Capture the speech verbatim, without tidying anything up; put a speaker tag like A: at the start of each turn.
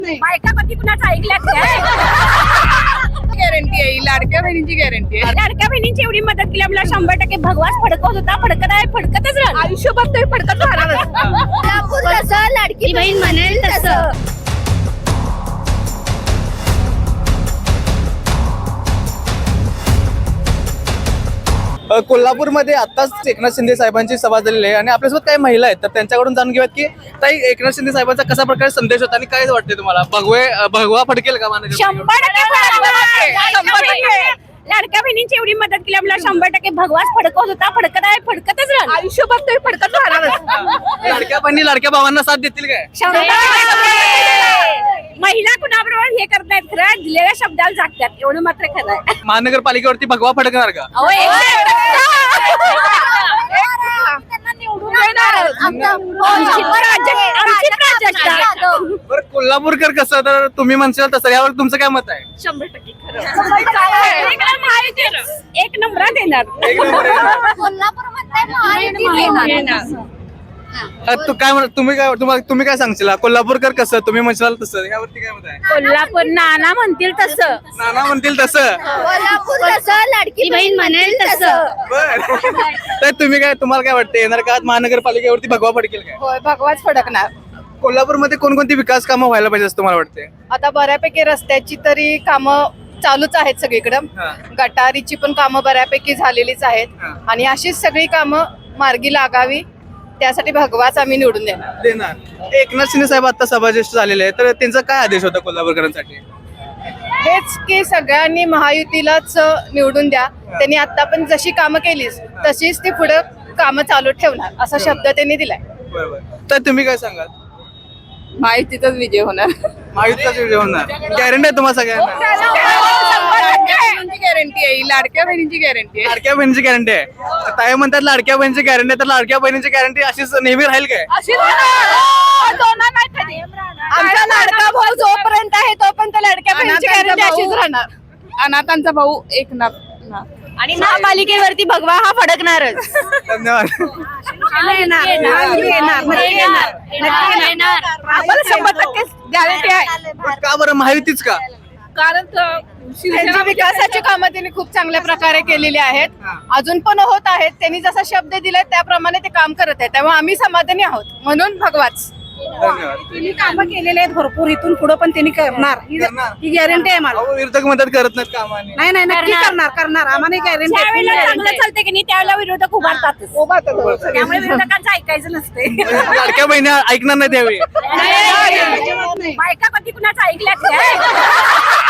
A: बायका पती कुणाचं ऐकल्यात काय?
B: गॅरंटी आहे, लाडक्या बहिणीची गॅरंटी आहे.
A: लाडक्या बहिणींची एवढी मदत केली आपल्याला शंभर टक्के भगवाच फडकवत होता, फडकत आहे, फडकतच राहणार.
B: आयुष्यभर तरी फडकत राहणारच.
A: लाडकी बहीण म्हणेल तसं.
C: अ, कोल्हापूरमध्ये आताच एकनाथ शिंदे साहेबांची सभा झालेली आहे आणि आपल्यासोबत काही महिला आहेत तर त्यांच्याकडून जाणून घेऊयात की ताई एकनाथ शिंदे साहेबांचा कसा प्रकारे संदेश होता आणि काय वाटते तुम्हाला भगवे अ, भगवा फडकेल का माननीय
A: शंभर टक्के फडकवणार.
B: शंभर टक्के.
A: लाडक्या बहिणींची एवढी मदत केली आपल्याला शंभर टक्के भगवाच फडकवत होता, फडकत आहे, फडकतच राहणार.
B: आयुष्यभर तरी फडकत राहणारच.
C: लाडक्या बहिणी लाडक्या भावांना साथ देतील काय?
A: शंभर टक्के. महिला कुणाबरोबर हे करतायत खरं दिलेल्या शब्दाला जागतात एवढं मात्र खरं आहे.
C: महानगरपालिकेवरती भगवा फडकणार का?
A: अहो, एक आमची प्राजक्त- आमची प्राजक्ता.
C: बरं कोल्हापूरकर कसं तर तुम्ही म्हणशाल तसं यावर तुमचं काय मत आहे?
A: शंभर टक्के खरं. इकडं महायुती एक नंबरात येणार.
C: एक नंबर आहे. अ, तू काय म्हण तुम्ही काय तुम्हाला तुम्ही काय सांगशील कोल्हापूरकर कसं तुम्ही म्हणशाल तसं यावरती काय मत आहे?
A: कोल्हापूर नाना म्हणतील तसं,
C: नाना म्हणतील तसं.
A: कोल्हापूर तसं, लाडकी बहीण म्हणेल तसं.
C: बर तर तुम्ही काय तुम्हाला काय वाटतं येणार का महानगरपालिकेवरती भगवा फडकेल काय?
B: होय, भगवाच फडकणार.
C: कोल्हापूरमध्ये कोणकोणती विकास कामं व्हायला पाहिजे असं तुम्हाला वाटते?
B: आता बऱ्यापैकी रस्त्याची तरी कामं चालूच आहेत सगळीकडं.
C: हा.
B: गटारीची पण कामं बऱ्यापैकी झालेलीच आहेत
C: हा.
B: आणि अशीच सगळी कामं मार्गी लागावी त्यासाठी भगवाच आम्ही निवडून देणार.
C: देणार. एकनाथ शिंदे साहेब आता सभाज्येष्ठ झालेले आहेत तर त्यांचा काय आदेश होता कोल्हापूरकरांसाठी?
B: हेच की सगळ्यांनी महायुतीलाच निवडून द्या. त्यांनी आता पण जशी कामं केलीच तशीच ती पुढे कामं चालू ठेवणार असा शब्द त्यांनी दिलाय.
C: बरोबर तर तुम्ही काय सांगाल?
B: महायुतीचाच विजय होणार.
C: महायुतीचाच विजय होणार गॅरंटी आहे तुम्हाला सगळ्यांना?
B: गॅरंटी आहे, लाडक्या बहिणीची गॅरंटी आहे.
C: लाडक्या बहिणीची गॅरंटी आहे. ताई म्हणतात लाडक्या बहिणीची गॅरंटी तर लाडक्या बहिणीची गॅरंटी अशीच नेहमी राहील काय?
B: आमचा लाडका भाऊ जोपर्यंत आहे तोपर्यंत लाडक्या बहिणीची गॅरंटी अशीच राहणार. अनाथांचा भाऊ एकनाथ.
A: आणि महापालिकेवरती भगवा हा फडकणारच.
C: धन्यवाद.
B: आम्हाला शंभर टक्के गॅरंटी आहे.
C: का बरं महायुतीच का?
B: कारण त्यांची विकासाची कामं त्यांनी खूप चांगल्या प्रकारे केलेली आहेत. अजून पण होत आहेत. त्यांनी जसा शब्द दिलाय त्याप्रमाणे ते काम करत आहेत त्यामुळे आम्ही समाधानी आहोत म्हणून भगवाच.
C: धन्यवाद.
A: त्यांनी कामं केलेले आहेत भरपूर, इथून पुढे पण त्यांनी करणार
C: करणार.
A: ही गॅरंटी आहे मला.
C: अहो, विरोधक मदत करत नाहीत कामाने.
A: नाही नाही नक्की करणार करणार आम्हाला गॅरंटी. चांगलं चालते की नाही त्यावेळेला विरोधक उभारतात, त्यामुळे विरोधकांचं ऐकायचं नसते.
C: लाडक्या बहिणी ऐकणार नाही त्यावेळी.
A: बायका पती कुणाचं ऐकल्यात काय?